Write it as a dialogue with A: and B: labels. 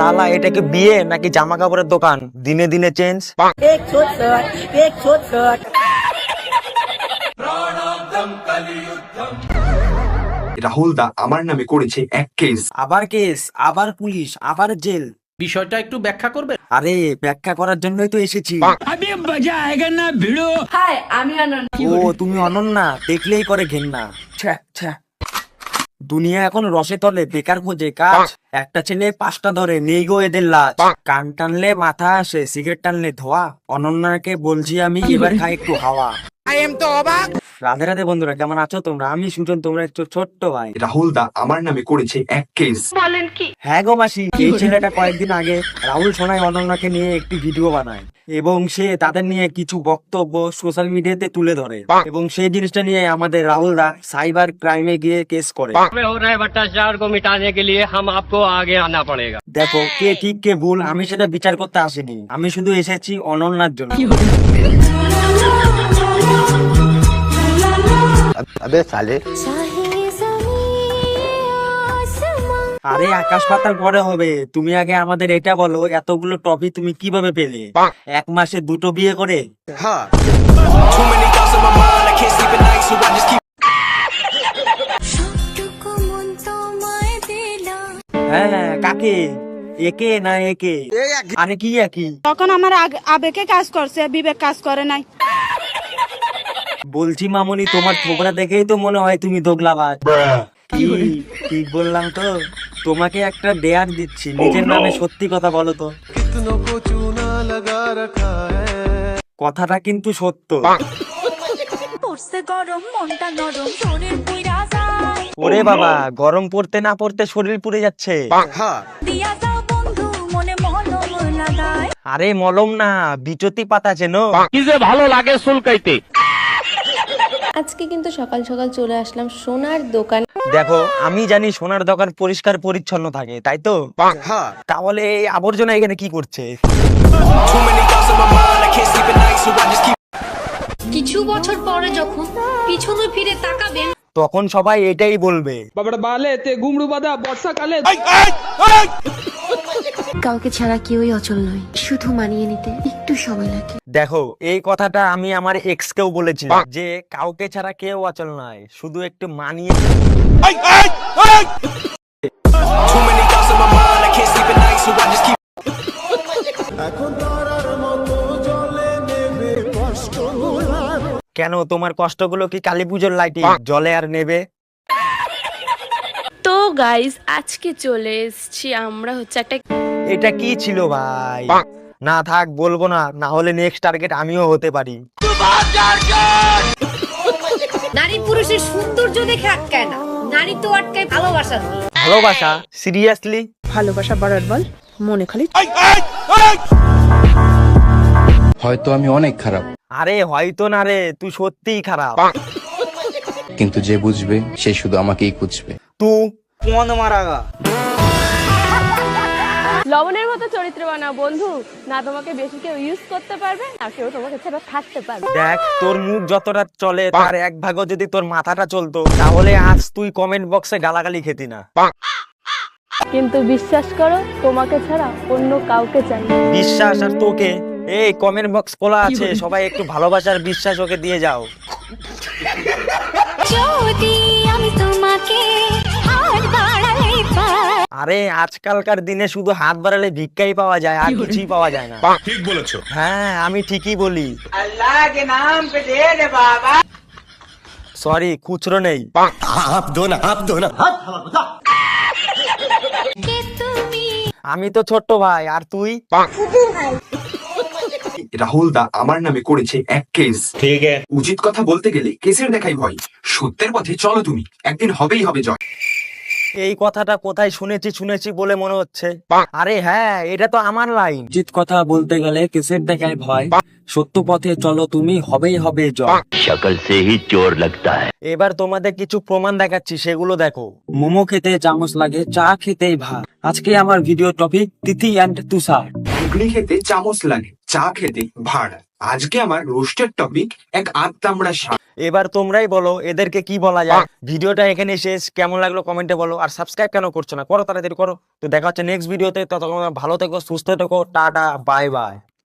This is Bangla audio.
A: শালা এটা কি বিয়ে নাকি জামা কাপড়ের দোকান? দিনে দিনে চেঞ্জ।
B: রাহুল দা আমার নামে করেছে এক কেস।
A: আবার কেস, আবার পুলিশ, আবার জেল।
C: বিষয়টা একটু ব্যাখ্যা করবে?
A: আরে ব্যাখ্যা করার জন্যই তো এসেছি।
D: হাই, আমি অনন্যা।
A: ও তুমি অনন্যা, দেখলেই করে ঘেন্না। ছ্যা, ছ্যা। দুনিয়া এখন রসে তলে, বেকার খোঁজে কাজ। একটা ছেলে 5টা ধরে, নেই গো এদের লাজ। কান টানলে মাথা আসে, সিগারেট টানলে ধোয়া। অনন্যাকে বলছি আমি, এবার খাই একটু হাওয়া। রাধে রাধে বন্ধুরা, কেমন আছো তোমরা? আমি সুজন, তোমরা একটু ছোট্ট ভাই।
B: রাহুল দা আমার নামে করেছে এক কেস।
A: হ্যাঁ গো মাসি, এই ছেলেটা কয়েকদিন আগে রাহুল সোনাই অনন্যাকে নিয়ে একটি ভিডিও বানায় এবং সে তাদের নিয়ে কিছু বক্তব্য সোশ্যাল মিডিয়াতে তুলে ধরে এবং সেই জিনিসটা নিয়ে আমাদের রাহুল দা সাইবার ক্রাইমে গিয়ে কেস করে।
E: हो रहा है भ्रष्टाचार को मिटाने के लिए हम आपको आगे आना पड़ेगा।
A: দেখো কে ঠিক কে ভুল আমি সেটা বিচার করতে আসিনি, আমি শুধু এসেছি অনন্যার জন্য।
F: अबे साले
A: আরে আকাশ পাতাল পরে হবে, তুমি আগে আমাদের এটা বলো, এতগুলো ট্রফি তুমি কিভাবে পেলে? 1 মাসে 2টো বিয়ে করে? হ্যাঁ, কাকে? একে না একে? আরে কি একই?
G: তখন আমার আবেগে কাজ করছে, বিবেক কাজ করে নাই।
A: বলছি মামুনি, তোমার ছোকরা দেখেই তো মনে হয় তুমি দোগলাবাজ। কি ঠিক বললাম তো? তোমাকে একটা ডেয়ার দিচ্ছি, নিজের নামে সত্যি কথা বলো তো। কথাটা কিন্তু সত্য। ওরে বাবা, গরম পড়তে না পড়তে শরীর পুড়ে যাচ্ছে। আরে মলম না, বিচতি পাতা চেনো?
E: কি যে ভালো লাগে সুলকাইতে।
D: আজকে কিন্তু সকাল সকাল চলে আসলাম সোনার দোকান।
A: দেখো আমি জানি সোনার দোকান পরিষ্কার পরিচ্ছন্ন থাকে, তাই তো? তাহলে এই আবর্জনা এখানে কি করছে?
H: কিছু বছর পরে যখন পিছনে ফিরে তাকাবেন
A: তখন সবাই এটাই বলবে,
H: কাউকে ছাড়া কেউই অচল নয়, শুধু মানিয়ে নিতে একটু সময় লাগে।
A: দেখো এই কথাটা আমি আমার এক্স কেও বলেছিলাম যে কাউকে ছাড়া কেউ অচল নয়, শুধু একটু মানিয়ে। কেন, তোমার কষ্টগুলো কি কালী পুজোর লাইটে জলে আর নেবে?
D: তো গাইস, আজকে চলে এসেছি আমরা হচ্ছে একটা।
A: এটা কি ছিল ভাই? না থাক, বলবো না, না হলে নেক্সট টার্গেট আমিও হতে পারি।
H: নারী পুরুষের সৌন্দর্য দেখে আটকায় না, নারী তো আটকায় ভালোবাসা।
A: ভালোবাসা? সিরিয়াসলি?
G: ভালোবাসা বাড়ার বল, মনে খালি।
I: হয়তো আমি অনেক খারাপ,
A: আরে হয়তো না রে, তুই সত্যিই খারাপ।
I: কিন্তু যে বুঝবে সে শুধু আমাকেই খুঁজবে।
A: তুই মন মারাগা।
D: লবণের মতো চরিত্র বানাও বন্ধু, না তোমাকে বেশি কেউ ইউজ করতে পারবে আর কেউ তোমাকে ছাড়া থাকতে পারবে।
A: দেখ তোর মুখ যতটা চলে তার 1 ভাগও যদি তোর মাথাটা চলতো, তাহলে আজ তুই কমেন্ট বক্সে গালাগালি খেতি না।
D: কিন্তু বিশ্বাস করো, তোমাকে ছাড়া অন্য কাউকে চাই না।
A: বিশ্বাস আর তোকে? এই কমেন্ট বক্স খোলা আছে, সবাই একটু ভালোবাসার বিশ্বাস ওকে দিয়ে যাও। আরে আজকালকার দিনে শুধু হাত বাড়ালে ভিক্ষাই পাওয়া যায়, আর কিছুই পাওয়া যায় না।
C: ঠিক বলেছো।
A: হ্যাঁ আমি ঠিকই বলি। সরি, খুচরো নেই। আমি তো ছোট্ট ভাই, আর তুই?
B: রাহুল দা আমার নামে করেছে এক কেস।
C: ঠিক আছে।
B: উচিত কথা বলতে গেলে কেসের দেখাই ভয়, সত্যের পথে চলো তুমি, একদিন হবেই হবে জয়।
A: এই কথাটা কোথায় শুনেছি বলে মনে হচ্ছে। আরে হ্যাঁ, এটা তো আমার লাইন। উচিত কথা বলতে গেলে কেসের দেখায় ভয়, সত্য পথে চলো তুমি, হবেই হবে জয়।
E: शकल से ही चोर लगता है।
A: এবার তোমাদের কিছু প্রমাণ দেখাচ্ছি, সেগুলো দেখো। মোমো খেতে চামচ লাগে, চা খেতেই ভাত। আজকে আমার video topic Tithi and Tushar.
B: ঘুগনি খেতে চামচ লাগে, চা খেতে ভাড়। আজকে আমার রোস্টের টপিক এক আত্মামড়া শাক।
A: এবার তোমরাই বলো এদেরকে কি বলা যায়। ভিডিওটা এখানে শেষ, কেমন লাগলো কমেন্টে বলো, আর সাবস্ক্রাইব কেন করছো না, করো তাড়াতাড়ি করো। তো দেখা হচ্ছে নেক্সট ভিডিওতে, ততক্ষণ ভালো থেকো, সুস্থ থেকো, টাটা বাই বাই।